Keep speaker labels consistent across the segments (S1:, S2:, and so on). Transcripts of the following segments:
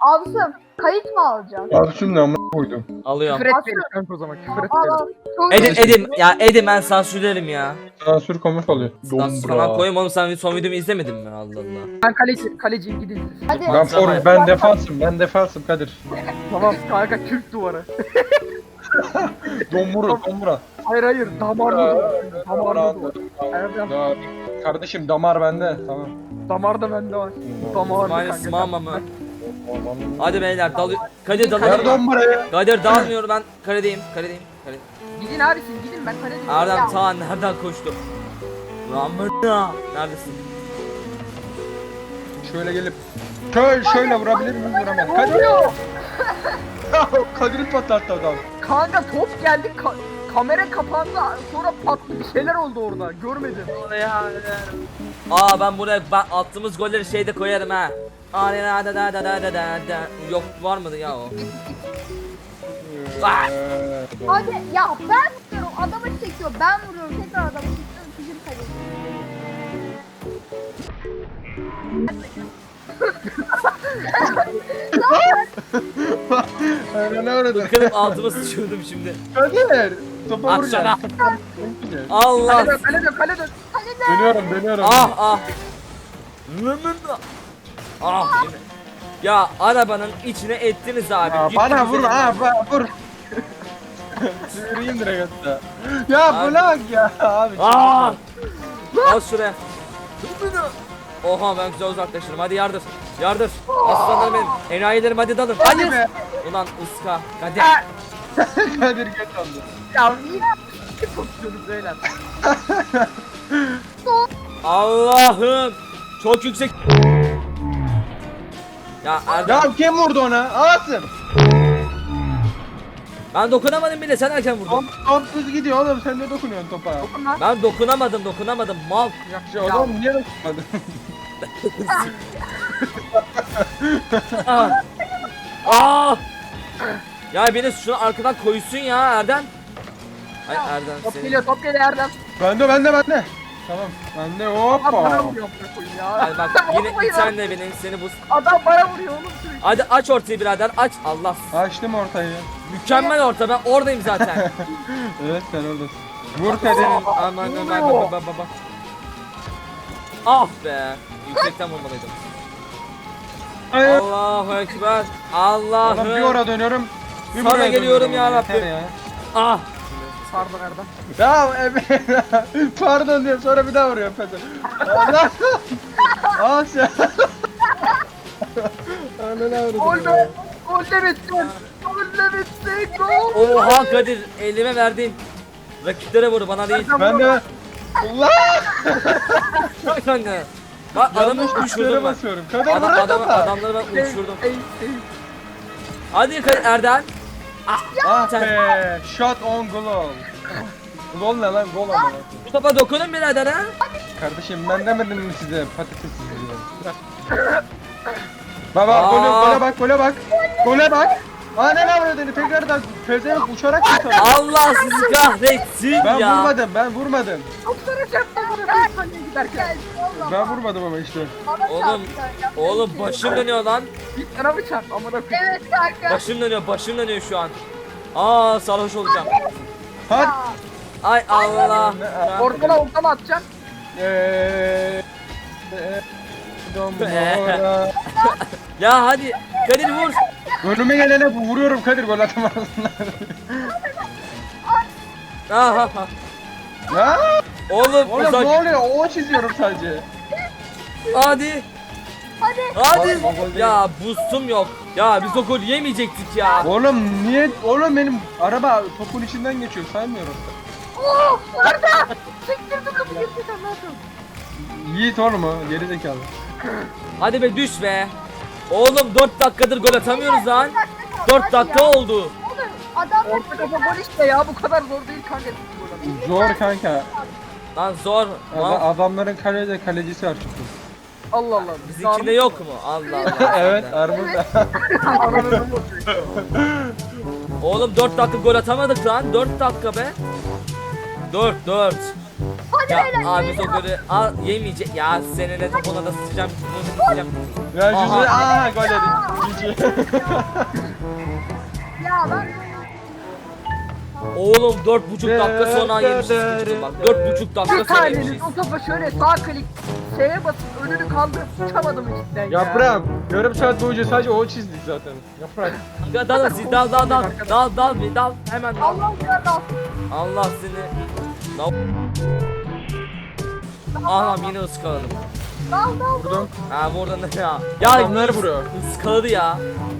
S1: Absım kayıt mı alacaksın?
S2: Abi şimdi amına koydum.
S3: Alıyorum.
S4: Küfür
S1: Asıl-
S4: etmeyelim kanka o zaman. Küfür
S1: Al
S4: etmeyelim.
S1: al. Çok
S3: Edim ya Edim ben sansürlerim ya.
S2: Sansür komik oluyor.
S3: Sansür falan koyayım oğlum, sen son videomu izlemedin mi? Allah Allah.
S4: Ben kaleciyim gidin.
S1: Hadi.
S2: Ben defansım Kadir.
S4: Tamam kanka Türk duvarı.
S2: Dombura.
S4: Hayır damarlı duvar. Damarlı duvar. Erdem
S2: Kardeşim damar bende. Tamam.
S4: damar da bende var. Damarlı
S3: İsmail
S4: kanka.
S3: Smama mı? Hadi beyler Kadir
S2: Ver
S3: dalıyorum.
S2: domburayı.
S3: Kadir dalmıyor, ben kaledeyim.
S4: Gidin abi siz gidin ben kaleciyim.
S3: Erdem ta nereden koştu? Ramına. Neredesin?
S2: Şöyle gelip şöyle vurabilir miyim? Vuramam. Kadir. Kadir'i patlattı adam.
S4: Kanka top geldi kamera kapandı sonra patladı bir şeyler oldu orada görmedim.
S3: Aa ben buraya attığımız golleri şeyde koyarım ha. Yok var mıydı ya o?
S1: Hadi ya ben vuruyorum. Adamı çekiyor. Ben vuruyorum. Tekrar adamı çekiyorum. Bizim kaleci.
S2: Ne öyle?
S3: Kırıp altıma sıçıyordum şimdi.
S2: Kadir. Topa
S3: At
S2: vuracaksın.
S3: Allah.
S4: Kale dön.
S2: Dönüyorum.
S3: Ah. Ah yine. Ya arabanın içine ettiniz abi.
S2: Ya,
S3: Gittiniz
S2: bana vur
S3: elimden.
S2: vur. Süreyim direkt hatta. Ya
S3: Abi.
S2: bırak ya abi.
S3: Ah! Al şuraya. Oha ben güzel uzaklaşırım. Hadi yardır. Aslanlarım benim. Enayilerim hadi dalın.
S2: Hadi be.
S3: Ulan ıska. Hadi.
S2: Kadir geç oldu.
S4: Ya niye pozisyonu beyler?
S3: Allah'ım. Çok yüksek. Ya Erdem.
S2: Ya kim vurdu ona? Asım.
S3: Ben dokunamadım bile. Sen erken vurdun.
S2: Top hız gidiyor oğlum, sen de dokunuyorsun topa.
S4: Dokun lan.
S3: Ben dokunamadım. Mal.
S2: Ya oğlum niye dokunmadın?
S3: Ah. Ah. Ya beni şunu arkadan koysun ya Erdem. Ay Erdem
S4: Top
S3: seni.
S4: geliyor Erdem.
S2: Bende. Tamam. Bende
S4: Adam bana
S2: hoppa.
S4: vuruyor amına koyayım ya.
S3: Hadi bak yine sen de beni seni bu.
S4: Adam bana vuruyor oğlum sürekli.
S3: Hadi aç ortayı birader aç. Allah.
S2: Açtım ortayı.
S3: Mükemmel orta, ben oradayım zaten.
S2: Evet sen oradasın. Vur Kadir.
S3: Aman. Ah be. Yüksekten vurmalıydım.
S2: Hayır.
S3: Allahu ekber.
S2: Oğlum bir
S3: Allah'ım.
S2: oraya dönüyorum. Bir
S3: Sana
S2: buraya
S3: geliyorum
S2: dönüyorum.
S3: ya Rabbim.
S2: Yeter ya.
S3: Ah.
S4: Pardon Erdem.
S2: Ya pardon diyor, sonra bir daha vuruyor Peter. Allah. Al sen.
S4: Gol be. Gol de bitsin. Gol.
S3: Oha Kadir elime verdin. Rakiplere vur bana değil.
S2: Ben de Allah.
S3: Bak kanka. Bak adamı
S2: Yanlış tuşlara
S3: uçurdum ben.
S2: basıyorum. Kadir bırak topa.
S3: Adamları ben uçurdum. Hadi Kadir Erdem.
S2: Ah
S3: Sen-
S2: be. Shot on goal. Gol ne lan? Gol ama.
S3: Bu topa dokunun birader ha.
S2: Kardeşim ben demedim mi size patates diye. Baba gole bak. Gole bak. Aa ne avradını tekrardan pezevenk uçarak kurtardı.
S3: Allah sizi kahretsin
S2: Ben
S3: ya.
S2: vurmadım.
S4: Doktora çarptı bana bir saniye giderken.
S1: Gel. Allah.
S2: Ben vurmadım ama işte.
S1: Bana
S3: Oğlum,
S1: çarptı.
S3: Oğlum başım dönüyor lan.
S4: Bir sana mı çarptı amına koyayım.
S1: Evet kanka.
S3: Başım dönüyor şu an. Aa sarhoş olacağım.
S2: Hadi.
S3: Ay Allah.
S4: Ortama atacaksın.
S2: Dombora.
S3: Ya hadi Kadir vur.
S2: Önüme gelene vuruyorum Kadir, gol atamazsın.
S3: Aha.
S2: Ya
S3: Oğlum
S2: oğlum
S3: uzak.
S2: ne oluyor? O çiziyorum sadece.
S3: Hadi.
S1: Hadi.
S3: Hadi.
S2: Oğlum, o gol değil.
S3: Ya boostum yok. Ya biz o gol yemeyecektik ya.
S2: Oğlum niye? Oğlum benim araba topun içinden geçiyor, saymıyorum.
S1: Oh orada. Çektirdim kapı gitti sen nasıl?
S2: Yiğit oğlum o, geri zekalı.
S3: Hadi be düş be. Oğlum 4 dakikadır gol atamıyoruz lan. 4 dakika oldu.
S1: Oğlum adam
S4: Orta kafa gol işte ya bu kadar zor değil kanka.
S2: Zor kanka.
S3: Lan zor. Lan
S2: Adamların kalecisi var çünkü.
S4: Allah Allah.
S3: bizimkinde yok mu? Allah Allah.
S2: Evet, Armut.
S3: Oğlum 4 dakika gol atamadık lan. 4 dakika be. 4.
S1: Hadi
S3: Ya
S1: beyler.
S3: abi biz o golü yemeyecek. Ya seninle topuna da sıçacağım. Bunu sıçacağım.
S2: Ya
S3: Aha.
S2: gol yedik.
S1: Ya ben
S3: Oğlum 4,5 dakika sonra yemişiz. Bak 4,5 dakika
S4: Bir
S3: sonra yemişiz.
S4: taneniz o topa şöyle sağ klik S'ye basıp önünü kaldırıp uçamadım cidden ya.
S2: Yaprağım. Yarım saat boyunca sadece o çizdik zaten. Yaprak.
S3: Aga dal siz dal bir dal hemen dal.
S1: Allah kadar
S3: Allah seni. Dal. Anam yine ıskaladım.
S1: dal dal.
S2: Vurdum.
S3: Ha burada ne ya? Ya
S2: Adamlar vuruyor.
S3: ıskaladı ya.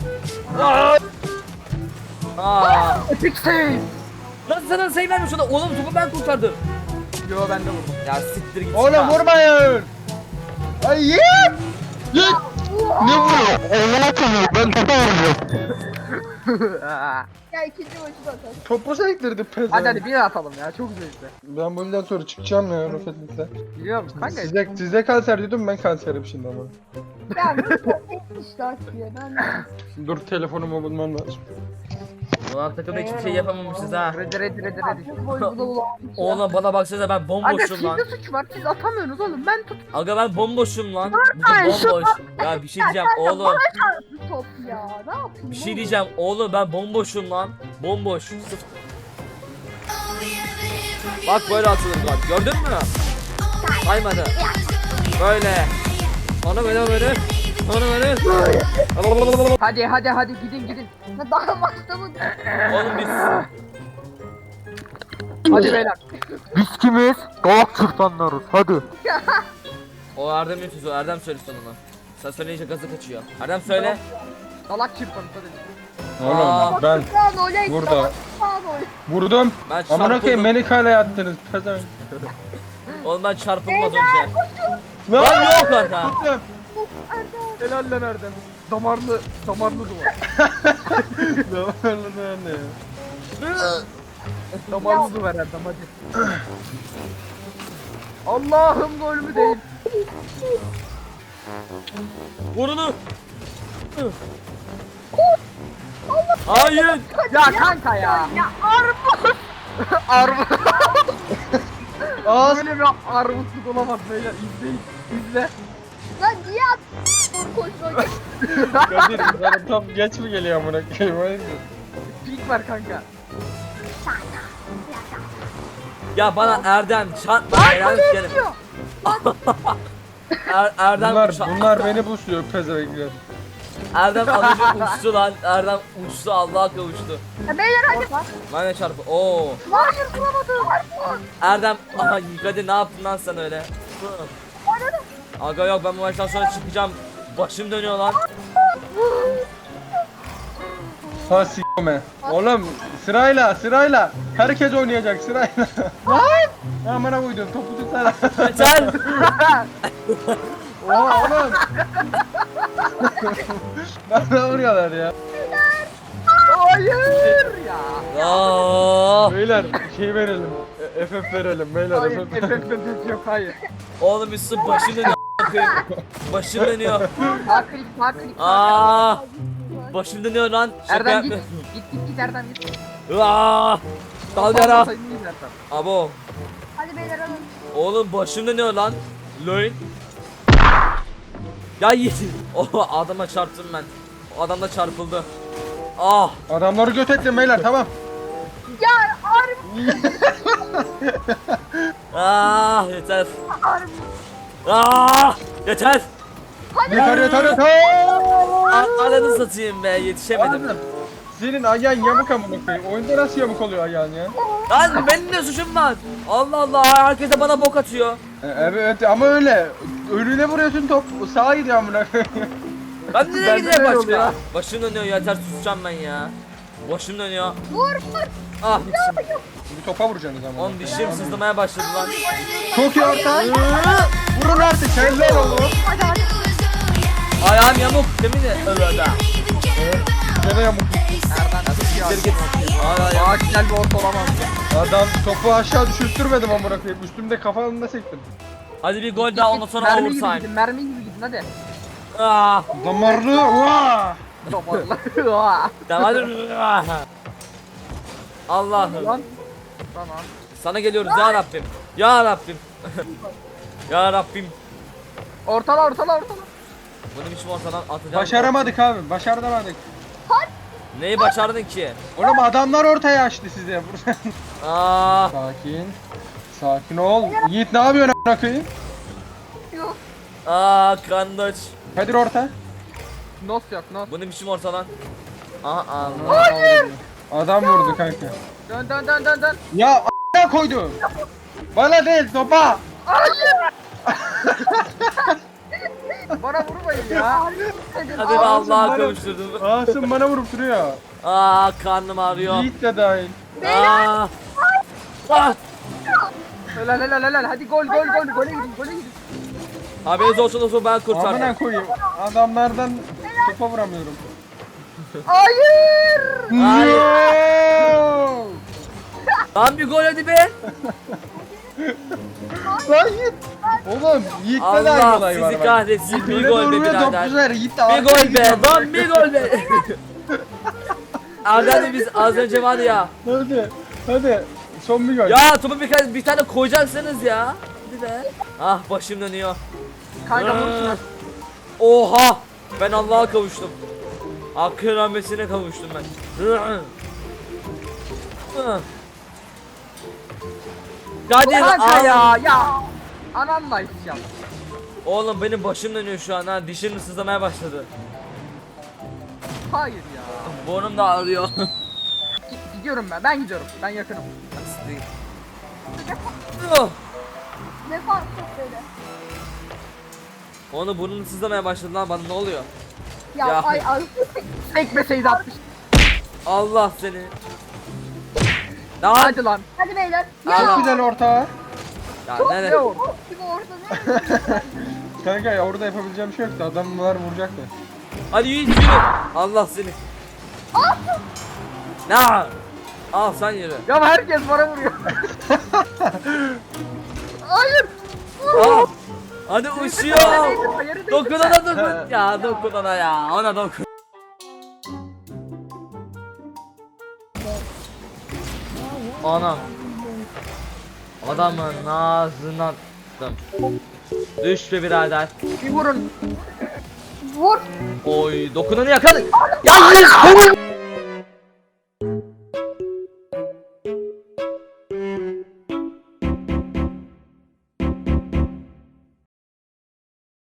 S3: Aa.
S4: Epic save.
S3: Lan sana sayı vermiş o da. Oğlum topu ben kurtardım.
S4: Yo ben de vurdum.
S3: Ya siktir git.
S2: Oğlum vurmayın. Ay yet. Yet. Ne vuruyor? Allah'a tanıyor. Ben topa vuruyorum.
S1: Ya ikinci maçı da atar.
S2: Topu sektirdi pezem.
S4: Hadi bir atalım ya çok zevkli.
S2: Ben bu yüzden sonra çıkacağım ya Rafetlik'le.
S4: Biliyor musun kanka?
S2: Sizde kanser diyordum, ben kanserim şimdi ama.
S1: Ya bu çok işte açıyor. Ben
S2: Dur, telefonumu bulmam lazım.
S3: Ulan takımda hiçbir şey yapamamışız ha.
S4: Ready.
S1: çok boy bu da ulanmış ya.
S3: Oğlum bana baksanıza ben
S4: Aga
S3: bomboşum lan.
S4: sizde suç var siz atamıyorsunuz oğlum ben tut.
S3: Aga ben bomboşum lan. Bu da bomboş. Ya bir şey diyeceğim oğlum.
S1: Bu top ya. Ne yapayım?
S3: Bir şey diyeceğim oğlum ben bomboşum lan. Bomboş. Sıfır. Bak böyle atılır bak. Gördün mü? Saymadı. Böyle. Onu böyle. Onu böyle.
S4: Hadi gidin.
S1: Ya daha maçta mı?
S3: Oğlum biz.
S4: Hadi beyler. Biz kimiz? Galak Türkmenleriz hadi.
S3: O Erdem'in sözü. Erdem söylesin onu. Sen söyleyince gazı kaçıyor. Erdem söyle.
S4: Galak çırpanız hadi.
S2: Oğlum ben
S1: Sağ oley.
S2: burada.
S1: Sağ oley.
S2: Vurdum.
S3: Ben
S2: Amına koyayım,
S3: çarpıldım.
S2: beni kaleye attınız. Pezevenk.
S3: Oğlum ben çarpıldım az önce.
S2: Lan
S3: Lan yok lan ha.
S2: Tuttum.
S4: Helal lan Erdem. Damarlı duvar.
S2: Damarlı ne ya?
S4: Damarlı duvar Erdem hadi. Allah'ım gol mü değil.
S3: Vur onu. Hayır.
S4: Ya kanka ya.
S1: Ya armut.
S4: Armut.
S2: Ağız.
S4: Böyle bir armutluk olamaz beyler izleyin. İzle.
S1: Lan niye at? Doğru koşma.
S2: Kadir, sana top geç mi geliyor amına koyayım? Hayırdır?
S4: Pink var kanka.
S3: Ya bana Erdem çarpma. Erdem gelin. Erdem
S2: Bunlar beni busluyor pezevenkler.
S3: Erdem az önce uçtu lan. Erdem uçtu Allah'a kavuştu.
S1: Ya beyler hadi.
S3: Ben de çarpı. Oo.
S1: Hayır vuramadım. Armut.
S3: Erdem aha Kadir ne yaptın lan sen öyle? Aga yok ben bu maçtan sonra çıkacağım. Başım dönüyor lan.
S2: Ha s**me. Oğlum sırayla. Herkes oynayacak sırayla. Lan! Amına koydum, topu tutsana.
S3: Yeter.
S2: Oha oğlum. Bana vuruyorlar ya.
S4: Hayır ya.
S3: Aa,
S2: Beyler şey verelim. FF verelim beyler.
S4: Hayır
S2: FF.
S4: efekt yok hayır.
S3: oğlum üstü başım dönüyor. a**ayım. Başım dönüyor.
S4: Sağ klik.
S3: Aa, başım dönüyor lan. Şaka
S4: Erdem git.
S3: yapmıyorum.
S4: Git Erdem git.
S3: Aa, dalgara.
S4: Sayın değil Erdem.
S3: Abo.
S1: Hadi beyler alın.
S3: Oğlum başım dönüyor lan. Loin. Ya yiğit. Oh adama çarptım ben. O adam da çarpıldı. Ah.
S2: Adamları göt ettim beyler, tamam.
S1: Ya armut.
S3: Ah yeter.
S1: Armut.
S3: Ah yeter.
S2: Yeter.
S3: Ananı satayım be yetişemedim.
S2: Oğlum, senin ayağın yamuk amına koyayım. Oyunda nasıl yamuk oluyor ayağın ya?
S3: Lan benim de suçum var. Allah Allah herkes de bana bok atıyor.
S2: Evet ama öyle. Önüne vuruyorsun, top sağa gidiyor amına koyayım.
S3: Ben nereye
S4: Bende
S3: gideyim
S4: de
S3: başka?
S4: oluyor.
S3: Başım dönüyor yeter susacağım ben ya. Başım dönüyor.
S1: Vur.
S3: Ah dişim.
S2: Bir topa vuracaksınız ama.
S3: Oğlum dişim sızlamaya başladı lan.
S2: Çok iyi orta. Vurun artık, helal oğlum.
S1: Hadi hadi.
S3: Ayağım yamuk değil mi? Öyle.
S2: Gene yamuk.
S4: Erdem
S3: Siktir git. Ay, ay.
S4: Aa güzel bir orta olamaz.
S2: Adam topu aşağı düşürtmedim amına koyayım. Üstümde kafamda sektim.
S3: Hadi bir gol daha ondan sonra
S4: Mermi gibi
S3: overtime.
S4: gidin mermi gibi gidin hadi.
S3: Ah.
S2: Damarlı. Vaa!
S4: Damarlı.
S3: Tamam hadi. Ah. Allah'ım.
S4: Lan. Tamam.
S3: Sana geliyoruz ya Rabbim. Ya Rabbim. Ya Rabbim.
S4: Ortala.
S3: Bunu biçim ortadan atacağım.
S2: Başaramadık abi. Başaramadık.
S3: Neyi başardın ki?
S2: Oğlum adamlar ortaya açtı size.
S3: Aa,
S2: Sakin. Sakin ol. Yiğit ne yapıyorsun amına koyayım?
S1: Yok.
S3: kandaç.
S2: Kadir orta.
S4: Nos yok nos.
S3: Bunu biçim ortadan. Aha Allah.
S2: Hayır. Adam vurdu kanka.
S4: Dön dön dön dön dön.
S2: Ya a**a koydu. Bana değil sopa.
S4: Bana vurmayın ya.
S3: Hadi be Allah'a kavuşturdum.
S2: Asım bana vurup duruyor.
S3: Karnım ağrıyor.
S2: Yiğit de dahil.
S3: Aa. Ah.
S4: Helal helal helal. Hadi gol gol gol. Gole gidin gole gidin.
S3: Haberiniz olsun ben kurtardım.
S2: Amına koyayım. Adamlardan topa vuramıyorum.
S4: Hayır.
S3: Hayır.
S2: No!
S3: Lan bir gol hadi be.
S2: Lan Yiğit. Oğlum Yiğit'te de aynı
S3: Allah
S2: olay var
S3: sizi
S2: bak.
S3: kahretsin. Bir
S2: Öyle
S3: gol be
S2: vuruyor,
S3: birader.
S2: topçular, Yiğit de
S3: Bir
S2: arkaya
S3: gol be.
S2: gidiyor.
S3: Lan bir gol be. Abi biz az önce var ya.
S2: Hadi. Hadi. Son bir gol.
S3: Ya topu bir tane koyacaksınız ya. Hadi be. Ah başım dönüyor.
S4: Kanka vur şuna.
S3: Oha. Ben Allah'a kavuştum. Hakkın rahmetine kavuştum ben. Kadir
S4: Kanka
S3: al.
S4: ya. Ananla içeceğim.
S3: Oğlum benim başım dönüyor şu an ha. Dişim sızlamaya başladı.
S4: Hayır ya.
S3: Burnum da ağrıyor.
S4: Gidiyorum ben. Ben gidiyorum. Ben yakınım.
S1: Ne fark böyle?
S3: Onu burnum sızlamaya başladı lan bana ne oluyor?
S1: Ya,
S3: Ya.
S1: ay.
S4: Sekmeseydi atmış.
S3: Allah seni. Lan.
S4: Hadi lan.
S1: Hadi beyler.
S3: Al.
S2: Çok
S1: Ya.
S2: güzel orta.
S3: Ya
S4: Ne
S3: nerede?
S4: o?
S1: Gibi ortada.
S2: Kanka ya orada yapabileceğim bir şey yoktu. Adamlar vuracaktı.
S3: Hadi yürü. Allah seni. Ne? Al sen yürü.
S4: Ya herkes bana vuruyor. Hayır.
S3: Al. Hadi uçuyor.
S4: Hayır.
S3: Dokunana dokun. Ya dokunana ya. Ona dokun. Anam. Adamın ağzına attım. Düş be birader.
S4: Bir vurun.
S1: Vur.
S3: Oy dokunanı yakaladı. Ya yes!